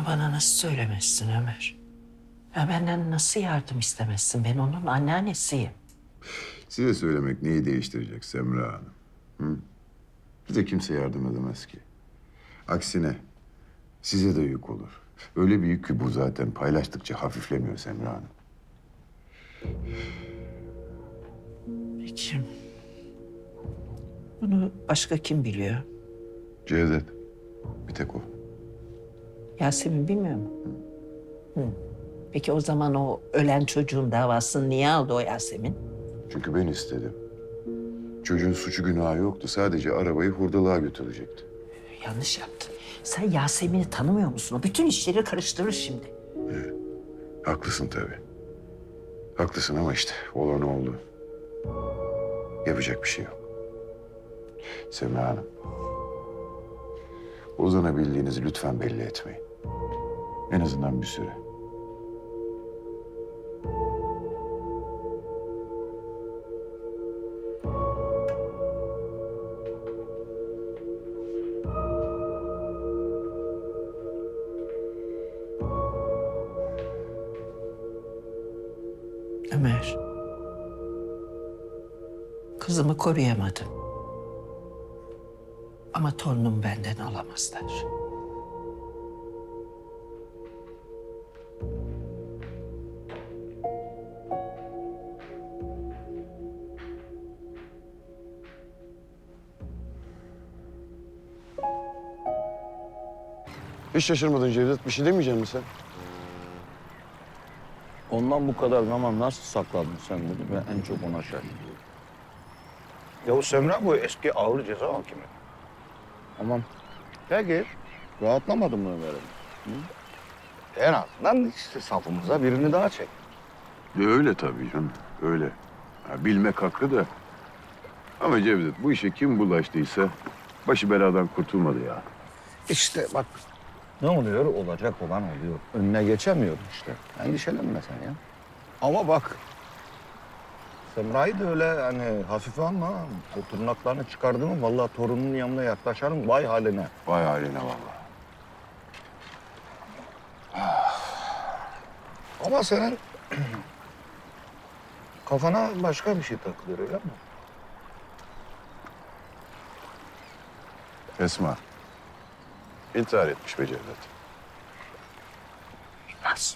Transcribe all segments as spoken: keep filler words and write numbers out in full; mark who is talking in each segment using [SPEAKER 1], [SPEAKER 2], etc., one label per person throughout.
[SPEAKER 1] Bunu bana nasıl söylemezsin Ömer? Ya benden nasıl yardım istemezsin? Ben onun anneannesiyim.
[SPEAKER 2] Size söylemek neyi değiştirecek Semra Hanım? Hı? Bize kimse yardım edemez ki. Aksine size de yük olur. Öyle bir yük ki bu zaten paylaştıkça hafiflemiyor Semra Hanım.
[SPEAKER 1] Peki. Bunu başka kim biliyor?
[SPEAKER 2] Cevdet, bir tek o.
[SPEAKER 1] Yasemin bilmiyor mu? Hı. Peki o zaman o ölen çocuğun davasını niye aldı o Yasemin?
[SPEAKER 2] Çünkü ben istedim. Çocuğun suçu günahı yoktu. Sadece arabayı hurdalığa götürecekti.
[SPEAKER 1] Yanlış yaptın. Sen Yasemin'i tanımıyor musun? O bütün işleri karıştırır şimdi.
[SPEAKER 2] Haklısın tabii. Haklısın ama işte olan oldu. Yapacak bir şey yok. Semra Hanım. Ozan'a bildiğinizi lütfen belli etmeyin. En azından bir süre.
[SPEAKER 1] Ömer. Kızımı koruyamadım. Ama torunumu benden alamazlar.
[SPEAKER 2] Hiç şaşırmadın Cevdet. Bir şey demeyecek misin sen?
[SPEAKER 3] Ondan bu kadar zaman nasıl sakladın sen bunu? Ben en çok ona şaşırıyorum.
[SPEAKER 4] Ya o Semra bu eski ağır ceza hakimi.
[SPEAKER 3] Tamam. Peki. Rahatlamadın mı Ömer'im?
[SPEAKER 4] En azından işte safımıza birini daha çek.
[SPEAKER 2] De öyle tabii canım. Öyle. Ha, bilmek hakkı da. Ama Cevdet bu işe kim bulaştıysa başı beladan kurtulmadı ya.
[SPEAKER 4] İşte bak ne oluyor? Olacak olan oluyor.
[SPEAKER 3] Önüne geçemiyorum işte.
[SPEAKER 4] Endişelenme sen ya. Ama bak Semra'yı da öyle hani hafife alma. O tırnaklarını çıkardı mı vallahi torunun yanına yaklaşarım vay haline.
[SPEAKER 2] Vay haline vallahi.
[SPEAKER 4] Ama senin kafana başka bir şey takılıyor öyle mi?
[SPEAKER 2] Esma. İntihar etmiş be Cevdet.
[SPEAKER 4] Nasıl?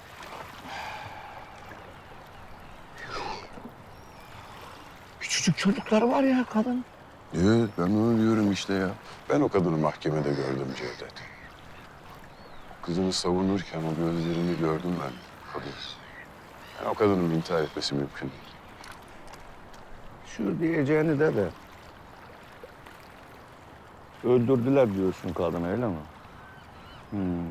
[SPEAKER 4] Küçücük çocukları var ya kadın.
[SPEAKER 2] Evet ben onu diyorum işte ya. Ben o kadını mahkemede gördüm Cevdet. Kızını savunurken o gözlerini gördüm ben. Kadın. Yani o kadının intihar etmesi mümkün değil.
[SPEAKER 4] Şu diyeceğini de de.
[SPEAKER 3] Öldürdüler diyorsun kadını öyle mi? Hmm.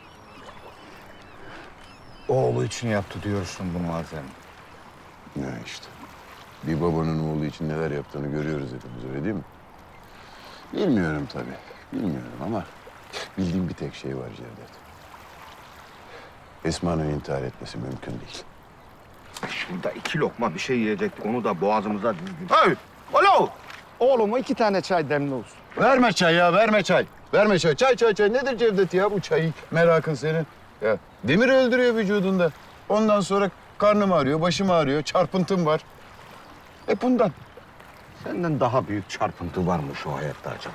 [SPEAKER 4] Oğlu için yaptı diyorsun bunu bazen.
[SPEAKER 2] Ya işte. Bir babanın oğlu için neler yaptığını görüyoruz hepimiz öyle değil mi? Bilmiyorum tabii. Bilmiyorum ama bildiğim bir tek şey var Cevdet. Esma'nın intihar etmesi mümkün değil.
[SPEAKER 4] Şurada iki lokma bir şey yiyecektik. Onu da boğazımıza dizdik. Hey! Alo! Oğluma iki tane çay demli olsun.
[SPEAKER 2] Verme çay ya, verme çay. Verme çay. Çay, çay, çay. Nedir Cevdet ya bu çayı merakın senin? Ya demir öldürüyor vücudunda. Ondan sonra karnım ağrıyor, başım ağrıyor, çarpıntım var.
[SPEAKER 4] E bundan. Senden daha büyük çarpıntı var mı şu hayatta acaba?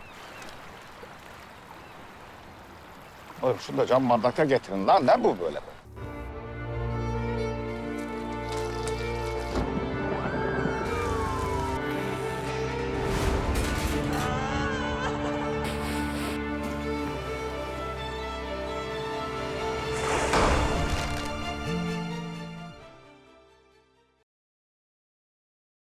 [SPEAKER 4] Oğlum şunu da cam bardakta getirin lan. Ne bu böyle?